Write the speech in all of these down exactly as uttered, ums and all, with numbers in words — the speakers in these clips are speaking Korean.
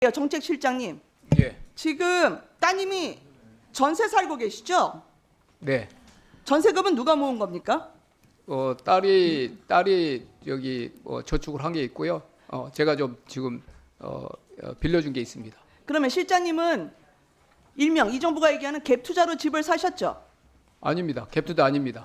정책실장님, 예. 지금 따님이 전세 살고 계시죠? 네. 전세금은 누가 모은 겁니까? 어 딸이 딸이 여기 어, 저축을 한 게 있고요. 어 제가 좀 지금 어, 어 빌려준 게 있습니다. 그러면 실장님은 일명 이 정부가 얘기하는 갭 투자로 집을 사셨죠? 아닙니다. 갭투자 아닙니다.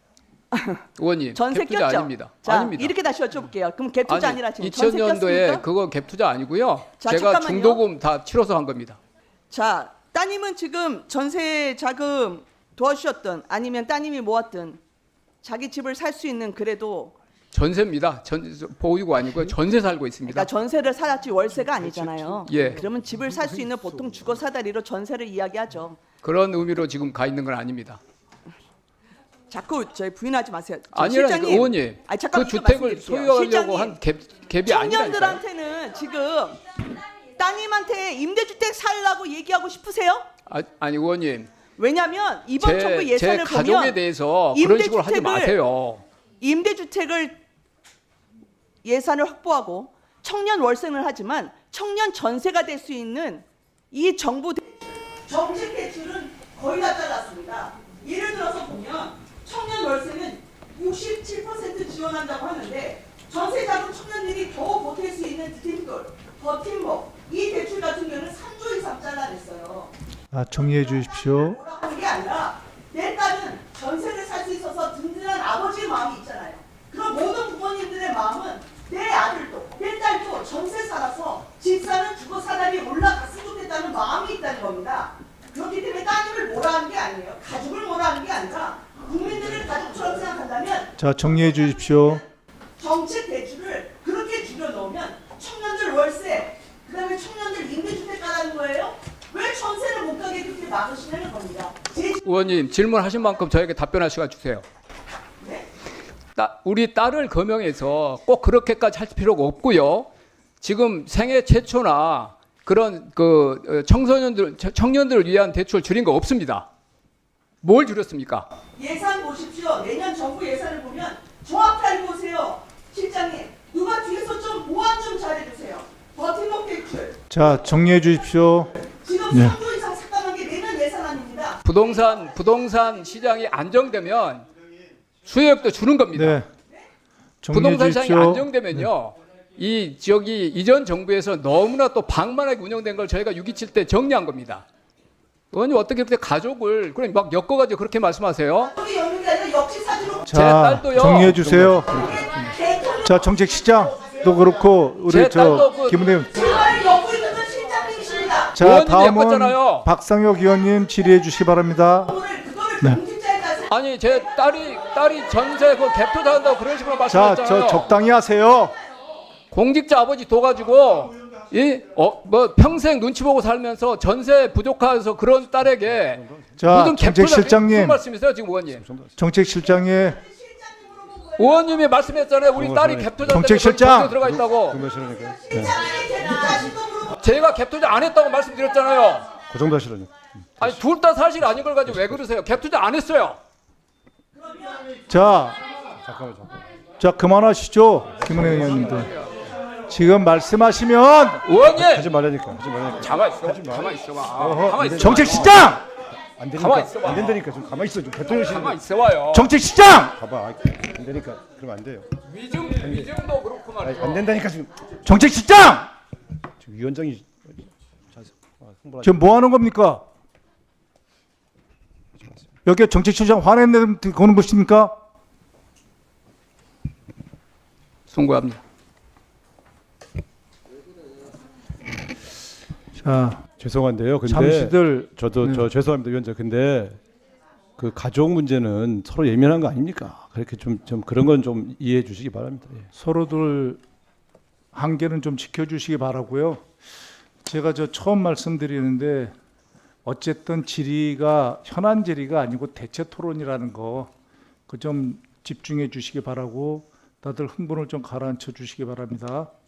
의원님, 전세 갭투자 꼈죠? 아닙니다. 자, 아닙니다. 이렇게 다시 여쭤볼게요. 그럼 갭 투자 아니라 지금 이천 전세 년도에 꼈습니까? 그거 갭투자 아니고요. 자, 제가 잠깐만요. 중도금 다 치러서 한 겁니다. 자, 따님은 지금 전세 자금 도와주셨든 아니면 따님이 모았든 자기 집을 살 수 있는 그래도 전세입니다. 전 보유고 아니고요. 전세 살고 있습니다. 그러니까 전세를 살았지 월세가 아니잖아요. 예. 그러면 집을 살 수 있는 보통 주거 사다리로 전세를 이야기하죠. 그런 의미로 지금 가 있는 건 아닙니다. 자꾸 저희 부인하지 마세요. 저 아니라니까 실장님, 의원님. 아니, 잠깐 그 이거 주택을 말씀드릴게요. 소유하려고 실장님, 한 갭, 갭이 아니라니까요. 청년들한테는 지금 따님한테 임대주택 살라고 얘기하고 싶으세요? 아, 아니 의원님. 왜냐하면 이번 제, 정부 제 예산을 가족에 보면 대해서 그런 식으로 하지 임대주택을- 마세요. 임대주택을 예산을 확보하고 청년 월세를 하지만 청년 전세가 될 수 있는 이 정부 대... 정책 대출은 거의 다 잘랐습니다. 예를 들어서 보면 청년 월세는 육십칠 퍼센트 지원한다고 하는데 전세 자금 청년들이 겨우 버틸 수 있는 디딤돌, 버팀목 이 대출 같은 경우는 삼조 이상 잘라냈어요. 아, 정리해 주십시오. 하는 게 아니라 내 딸은 전세를 살 수 있어서 든든한 아버지의 마음이 있잖아요. 그럼 모든 부모님들의 마음은 내 아들도 내 딸도 전세 살아서 집 사는 주거 사다리에 올라갔으면 좋겠다는 마음이 있다는 겁니다. 그렇기 때문에 따님을 뭐라 하는 게 아니에요. 가족을 뭐라 하는 게 아니라 국민들을 가족처럼 생각한다면 자, 정리해 주십시오. 정책 대출을 그렇게 줄여놓으면 청년들 월세, 그 다음에 청년들 임대주택 가라는 거예요? 왜 전세를 못 가게 그렇게 막으시냐는 겁니다. 제... 의원님 질문하신 만큼 저에게 답변할 시간 주세요. 네? 따, 우리 딸을 거명해서 꼭 그렇게까지 할 필요가 없고요. 지금 생애 최초나 그런 그 어, 청소년들 청년들을 위한 대출 줄인 거 없습니다. 뭘 줄였습니까? 예산 보십시오. 내년 정부 예산을 보면 정확하게 보세요. 실장님, 누가 뒤에서 좀 보완 좀 잘해주세요. 버팀목 대출. 자, 정리해 주십시오. 지금 네. 삼조 이상 삭감한 게 내년 예산안입니다. 부동산 부동산 시장이 안정되면 수요액도 주는 겁니다. 네. 정리해 부동산 시장이 주십시오. 안정되면요. 이 저기 이전 정부에서 너무나 또 방만하게 운영된 걸 저희가 육 이칠 때 정리한 겁니다. 의원님 어떻게 그렇게 가족을 그럼 막 엮어가지고 그렇게 말씀하세요? 여기 여는 게 아니라 역시 사주로 제 자, 딸도요. 정리해 주세요. 대통령 자, 정책시장도 그렇고 우리 제 저 딸도 그- 김은혜. 제발 엮고 있는 건 실장님이십니다. 자, 의원님이 다음은 엮었잖아요. 박상혁 의원님 질의해 주시기 바랍니다. 오늘 그거를 네. 공직자에 가서 아니 제 딸이 딸이 전세 그 갭투자 한다고 그런 식으로 자, 말씀하셨잖아요. 저 적당히 하세요. 공직자 아버지 둬가지고 이 어 뭐 평생 눈치 보고 살면서 전세 부족해서 그런 딸에게 자, 무슨 갭투자 정책실장님. 무슨 말씀이세요 지금 의원님? 정책실장의 의원님이 말씀했잖아요. 우리 딸이 갭투자 정책실장. 들어가 있다고. 실장님이 대통령하신 거 물어보고 제가 갭투자 안 했다고 말씀드렸잖아요. 그 정도 하시라뇨. 아니 둘 다 사실 아닌 걸 가지고 왜 그러세요? 갭투자 안 했어요. 자, 잠깐만 잠깐. 자 그만하시죠. 김은혜 의원님들. 지금 말씀하시면 의원님 하지 말라니까. 하지 말라니까. 가만 있어. 가만 있어봐. 어허, 가만 있어. 정책시장! 안 가만히 되니까. 있어봐. 안 된다니까. 좀 가만히 있어. 좀 대통령실. 가만 있어봐요. 정책시장! 봐봐. 아, 안 되니까. 그러면 안 돼요. 위증 위증도 그렇고 아니, 말이죠. 안 된다니까 지금. 정책시장! 지금 위원장이 자, 아, 홍보하지. 지금 뭐 하는 겁니까? 여기 정책시장 화내는 거는 것입니까? 송구합니다. 자, 죄송한데요. 근데 잠시들 저도 네. 저 죄송합니다, 위원장. 근데 그 가족 문제는 서로 예민한 거 아닙니까? 그렇게 좀 좀 그런 건 좀 이해해 주시기 바랍니다. 예. 서로들 한계는 좀 지켜주시기 바라고요. 제가 저 처음 말씀드리는데 어쨌든 질의가 현안 질의가 아니고 대체 토론이라는 거 그 좀 집중해 주시기 바라고 다들 흥분을 좀 가라앉혀 주시기 바랍니다.